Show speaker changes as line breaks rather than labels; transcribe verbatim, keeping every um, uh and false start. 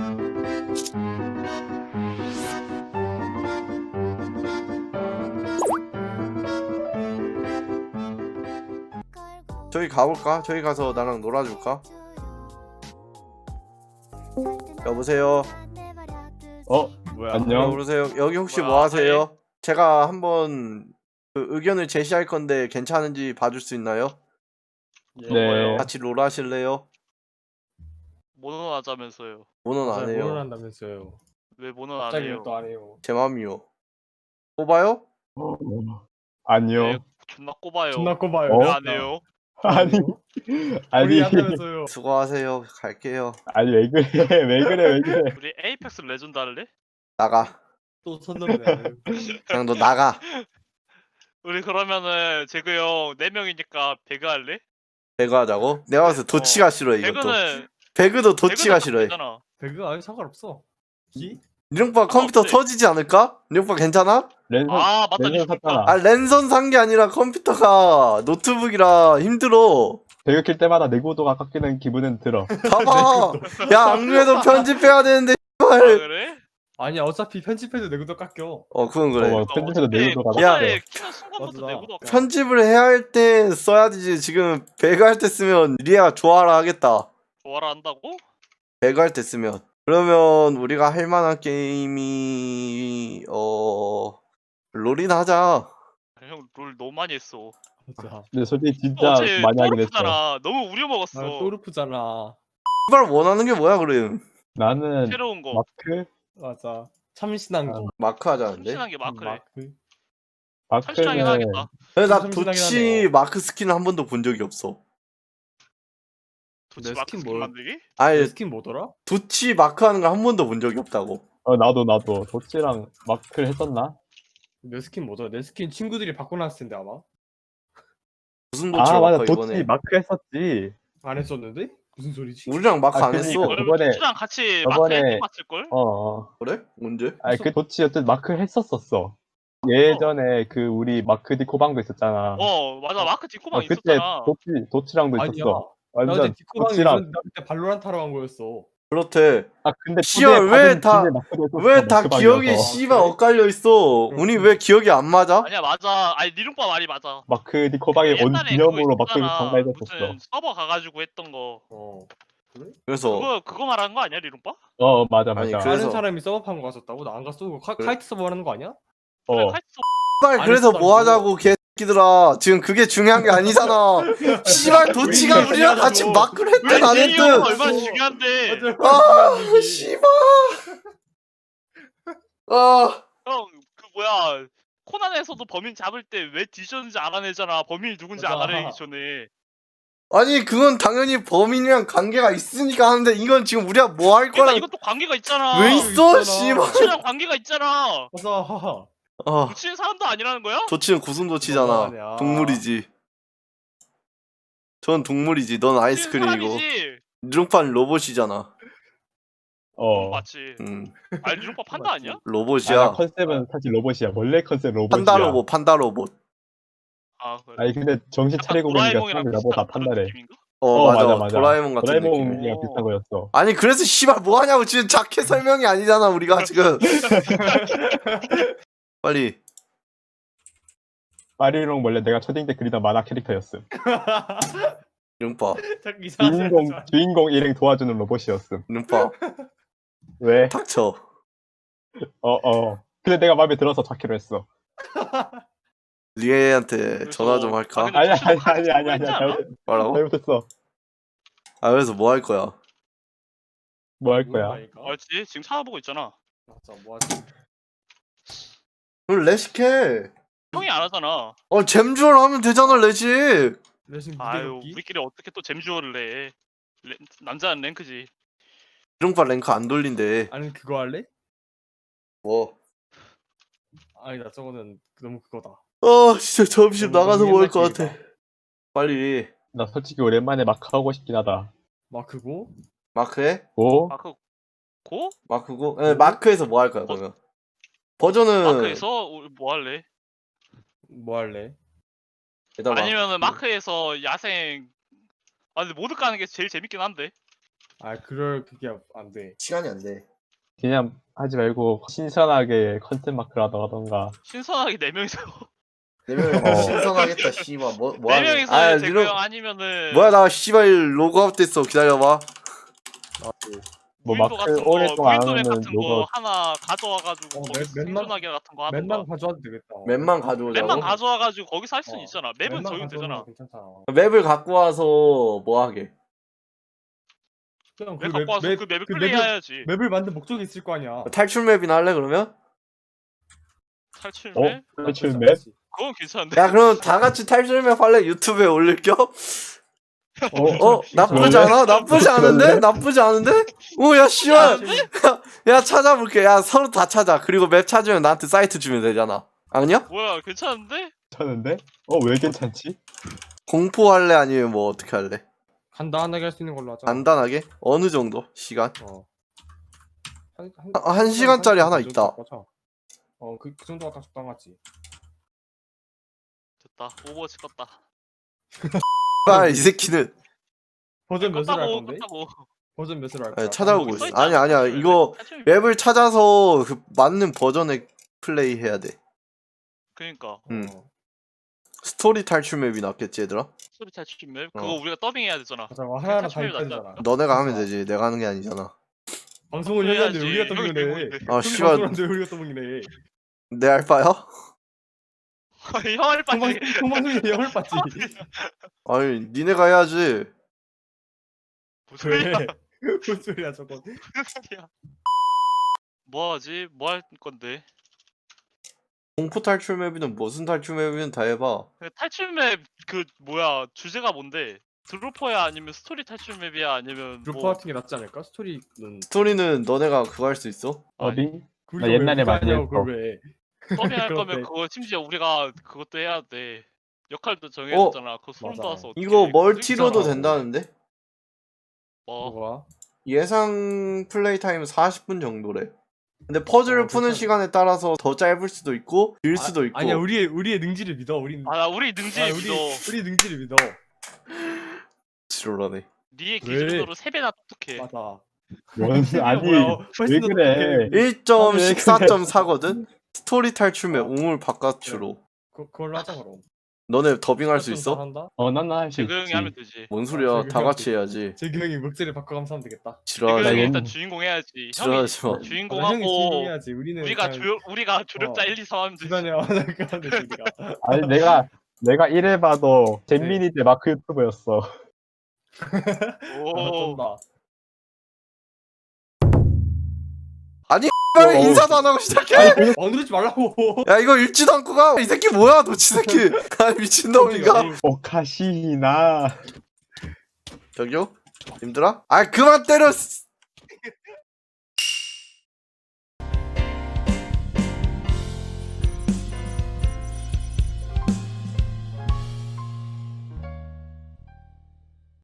저기 가볼까? 저기 가서 나랑 놀아줄까? 여보세요?
어?
뭐야?
안녕.
여보세요? 여기 혹시
뭐야,
뭐 하세요? 제가 한번 그 의견을 제시할 건데 괜찮은지 봐줄 수 있나요?
예.
네.
같이 롤 하실래요?
모논 하자면서요.
모논 안
맞아요.
해요.
모논 한다면서요.
왜 모논 안
갑자기
해요?
또 안 해요.
제 맘이요. 뽑아요?
어, 아니요.
왜 존나 꼽아요?
존나 꼽아요.
어?
왜 안 해요?
아니, 아니,
우리 한다면서요.
수고하세요. 갈게요.
아니, 왜 그래, 왜 그래, 왜 그래.
우리 에이펙스 레전드 할래?
나가.
또 선 넘네.
그냥 너 나가.
우리 그러면은 재그 형 네 명이니까 배그 할래?
배그 하자고? 내가 봐서 도치가 싫어해 이것도.
배그는
배그도 도치가
배그는
싫어해.
잖아.
배그 아니 상관없어. 기?
니룡빠 컴퓨터
없지.
터지지 않을까? 니룡빠 괜찮아?
랜선,
아 맞다
랜선
니
샀잖아.
아 랜선 산 게 아니라 컴퓨터가 노트북이라 힘들어.
배그 킬 때마다 내구도가 깎이는 기분은 들어.
봐봐. 야 안 그래도 편집해야 되는데
아
씨발.
그래?
아니야 어차피 편집해도 내구도 깎여.
어 그건 그래.
어, 편집해서 내구도가
야.
깎여.
키는 순간부터
맞아.
내구도
편집을 해야 할 때 써야 되지. 지금 배그 할 때 쓰면 리아가 좋아라 하겠다.
좋아라 한다고?
배그 할 때 쓰면. 그러면 우리가 할 만한 게임이 어 롤이나 하자.
형 롤 너무 많이 했어.
맞아.
근데 솔직히 진짜
어제
많이 하긴 했어.
또르프잖아. 너무 우려먹었어.
아, 또르프잖아.
씨발 원하는 게 뭐야 그럼?
나는
새로운 거.
마크?
맞아. 참신한 거.
마크 하자는데.
참신한 게 마크래.
마크.
참신하긴
마크는
하겠다.
근데 나
참신하긴
도치
하네.
마크 스킨을 한 번도 본 적이 없어.
도치
내
마크
스킨
스킨
뭘-
만들기?
아니
내 스킨 뭐더라?
도치 마크 하는 거 한 번도 본 적이 없다고.
어 나도 나도 도치랑 마크를 했었나?
내 스킨 뭐더라? 내 스킨 친구들이 바꿔놨을 텐데 아마.
무슨 도치
아 맞아
마크
도치
이번에?
마크 했었지.
안 했었는데? 무슨 소리지?
우리랑 마크
아,
안
그니까.
했어.
어.
그러면
저번에-
도치랑 같이 마크
저번에-
했던 것 같을걸?
어. 어.
그래? 언제?
아니 그 도치 어쨌든 마크 했었었어. 예전에 그 우리 마크 디코방도 있었잖아.
어 맞아 마크 디코방
어, 그때
있었잖아.
도치 도치랑도
아니야.
있었어.
나 그때
완전
디코방이
도치랑.
있었는데 나 그때 발로란트 하러 간 거였어.
그렇대.
아 근데
씨발,
초대
왜
받은
다-
집에 마크도 했었어,
왜 다
마크방이어서.
기억이 씨발
그래?
엇갈려 있어.
그렇군.
우리 왜 기억이 안 맞아?
아니야 맞아. 아니 니룡빠 말이 맞아.
마크 디코방에 온
옛날에
기념으로
그거
마크
있었잖아.
방문했었어.
무슨 서버 가가지고 했던 거.
어.
그래서
그거 그거 말하는 거 아니야 리룡빠?
어 맞아
아니,
맞아.
그래서-
다른 사람이 서버판 거 갔었다고? 나 안 갔어. 카,
그래?
카이트 서버 하는 거 아니야?
그래
어
카이트
씨발
안
그래서 뭐
했었다고.
하자고 개새끼들아. 지금 그게 중요한 게 아니잖아. 씨발 도치가
우리
우리랑 같이
중요하다고.
마크를 했든 안
우리
했든.
니룡빠 얼마나 중요한데.
아 씨발. 아
형 그 뭐야 코난에서도 범인 잡을 때 왜 뒤졌는지 알아내잖아. 범인이 누군지
맞아.
알아내기 전에.
아니 그건 당연히 범인이랑 관계가 있으니까 하는데 이건 지금 우리가 뭐 할
그러니까
거랑
이것도 관계가 있잖아.
왜 있어
있잖아.
씨발.
도치랑 관계가 있잖아.
맞아.
아
도치는 사람도 아니라는 거야?
도치는 구순 도치잖아.
너무하네.
동물이지. 전 동물이지. 넌
도치는
아이스크림이고.
사람이지.
니룡판 로봇이잖아.
어.
맞지.
음
아니 니룡빠 판다
맞지.
아니야?
아,
로봇이야.
나 컨셉은 사실 로봇이야. 원래 컨셉 로봇이야.
판다 로봇, 판다 로봇.
아 그래.
아니 근데 정신
약간
차리고 보니까
도라에몽이랑
사람들이 나보다
비슷한 그런
판다래.
느낌인가?
어,
어,
맞아,
맞아, 맞아.
도라에몽 같은 느낌.
도라에몽이랑
오.
비슷한 거였어.
아니 그래서 씨발 뭐 하냐고 지금 자켓 설명이 아니잖아 우리가 지금. 빨리.
마리롱 원래 내가 초딩 때 그리던 만화 캐릭터였음.
눈파,
자꾸 이상한 소리
주인공
하지 마.
주인공 일행 도와주는 로봇이었음.
눈파,
왜?
닥쳐.
어 어. 근데 내가 마음에 들어서 잡기로 했어.
리에한테
그래서-
전화 좀 할까?
아, 근데
아니
도시도
아니
칼
아니 아니 아니
쓰고 있지 않아?
잘못,
뭐라고?
잘못했어.
아 그래서 뭐 할 거야?
뭐 할 거야?
모른다니까?
알지? 지금 찾아보고 있잖아.
맞아. 뭐 하지?
그럼 레식해.
형이 안 하잖아.
어 잼주얼 하면 되잖아 레식.
레싱
아유
무대걷기?
우리끼리 어떻게 또 잼주어를 해. 렌- 남자는 랭크지.
이룡파 랭크 안 돌린대.
아니 그거 할래?
뭐?
아니다 저거는 너무 그거다.
어 진짜 점심
너무
나가서
옛날
먹을 것 같아.
게임이다.
빨리.
나 솔직히 오랜만에 마크 하고 싶긴 하다.
마크고?
마크해?
오?
마크 고?
마크고? 네, 마크에서 뭐 할 거야 그러면? 버전은
마크에서 우리 뭐 할래?
뭐 할래?
일단 마-
아니면은 마크에서 야생. 아 근데 모드 까는 게 제일 재밌긴 한데.
아 그럴 그게 안돼.
시간이 안 돼.
그냥 하지 말고 신선하게 컨셉 마크를 하던가.
신선하게 네 명이서
네 명이
어.
신선하겠다. 씨발 뭐 뭐
네
하네.
명이서
아,
제거
이런-
형 아니면은
뭐야 나 씨발 로그아웃 됐어. 기다려봐.
뭐
무인도
마크
같은 거,
오랫동안 안
무인도 맵
하면
같은 거
로그
하나 가져와가지고
어,
거기
맵- 맵만-
생존하기 같은 거 하던가.
맵만 가져와도 되겠다.
맵만 가져오자고.
맵만 가져와가지고 거기서 할 수는
어.
있잖아. 맵은
맵만
적용
가져오는
되잖아.
거 괜찮잖아.
맵을 갖고 와서 뭐 하게.
그냥
맵 갖고 와서 그 맵을
그
플레이해야지.
맵을 만든 목적이 있을 거 아니야.
탈출 맵이나 할래 그러면?
탈출
어?
맵?
탈출
나쁘지
맵?
않지.
그건 괜찮은데.
야 그럼 다 같이 탈출 맵 할래? 유튜브에 올릴 겸?
어?
어 나쁘지 않아? 나쁘지 않은데? 나쁘지 않은데? 오야 씨발. 야 찾아볼게. 야 서로 다 찾아. 그리고 맵 찾으면 나한테 사이트 주면 되잖아. 아니야?
뭐야 괜찮은데?
괜찮은데? 어 왜 괜찮지?
공포 할래 아니면 뭐 어떻게 할래?
간단하게 할 수 있는 걸로 하자.
간단하게? 어느 정도? 시간?
어. 한, 한,
한- 한 시간짜리 하나
정도
있다.
맞아. 어, 그, 그 정도가 딱 적당하지.
됐다. 오버워치 껐다.
아 이 새끼는
버전 몇으로 할
껐다고
건데?
껐다고.
버전 몇으로 할
아니,
거야?
찾아보고
거기
있어.
써 있잖아,
아니 아니야
탈출 맵.
이거
탈출 맵.
맵을 찾아서 그 맞는 버전의 플레이 해야 돼.
그니까
음.
어.
스토리 탈출 맵이 낫겠지 얘들아?
스토리 탈출 맵
어.
그거 우리가 더빙해야 되잖아.
맞아, 뭐 하나하나 다
탈출 맵이 낫지
있다잖아.
않을까?
너네가 하면
진짜.
되지. 내가 하는 게 아니잖아.
방송을 해야 되는데 우리가
형이
더빙을 해.
들고 있는데.
아
형이
씨발
방송을 하는데 우리가 더빙을 해.
내 알바야?
형을
통방,
빠지.
통방송이 영을 봤지.
아니 니네가 해야지.
무슨 소리야?
왜? 무슨 소리야 저거.
무슨 소리야? 뭐 하지? 뭐 할 건데?
공포 탈출 맵이든 무슨 탈출 맵이든 다 해봐.
그 탈출 맵 그 뭐야 주제가 뭔데? 드로퍼야 아니면 스토리 탈출 맵이야 아니면
루퍼
뭐
같은 게 낫지 않을까? 스토리는
스토리는 너네가 그거 할 수 있어?
어디?
우리가
나 옛날에
왜 그거
많이
하냐고,
했어.
그걸 왜.
더빙할 거면
그런데.
그거 심지어 우리가 그것도 해야 돼. 역할도 정해야 되잖아. 그거 소름
맞아.
돋아서 어떡해.
이거
그거
멀티로도
있잖아.
된다는데?
뭐
뭐가?
예상 플레이 타임 사십 분 정도래. 근데 퍼즐을
어,
푸는
괜찮아.
시간에 따라서 더 짧을 수도 있고 길 수도 있고.
아니야 우리의 우리의 능지를 믿어. 우리
아, 나 우리 능지
아,
믿어.
우리 우리 능지를 믿어.
지랄하네.
니의
왜?
기준으로 세 배나 똑똑해.
맞아.
뭔 아니
뭐야,
왜
훨씬 더
그래?
똑똑해.
일 점
아니, 왜
사
그래.
점 사거든? 스토리 탈출 맵
어.
우물 바깥으로.
그, 그걸로 하자 그럼.
너네 더빙할 수
좀
있어?
잘한다?
어 난 할 수
재그 형이
있지.
하면 되지.
뭔 소리야?
저기
다 같이
형이-
해야지.
재규 형이 목소리 바꿔가면서 하면 되겠다.
재그
지랄하지
형이
나
일단
옛-
주인공 해야지. 형이
지랄하지 마.
맞아, 형이
주인공하고
주인공해야지. 우리는
우리가
그냥
조 우리가 조력자
어.
일, 이, 삼 하면 되지.
주변에 와서 그렇게 하면 되지 우리가.
아니 내가 내가 이래봐도 잼민이 때 마크 유튜버였어.
오.
어쩐다.
아니
어,
왜 인사도 안 하고 시작해?
아니 그
어 누르지 말라고.
야 이거 읽지도 않고 가. 이 새끼 뭐야 도치 새끼. 아 미친놈인가?
오카시나.
저기요? 님들아? 아 그만 때려. 씨.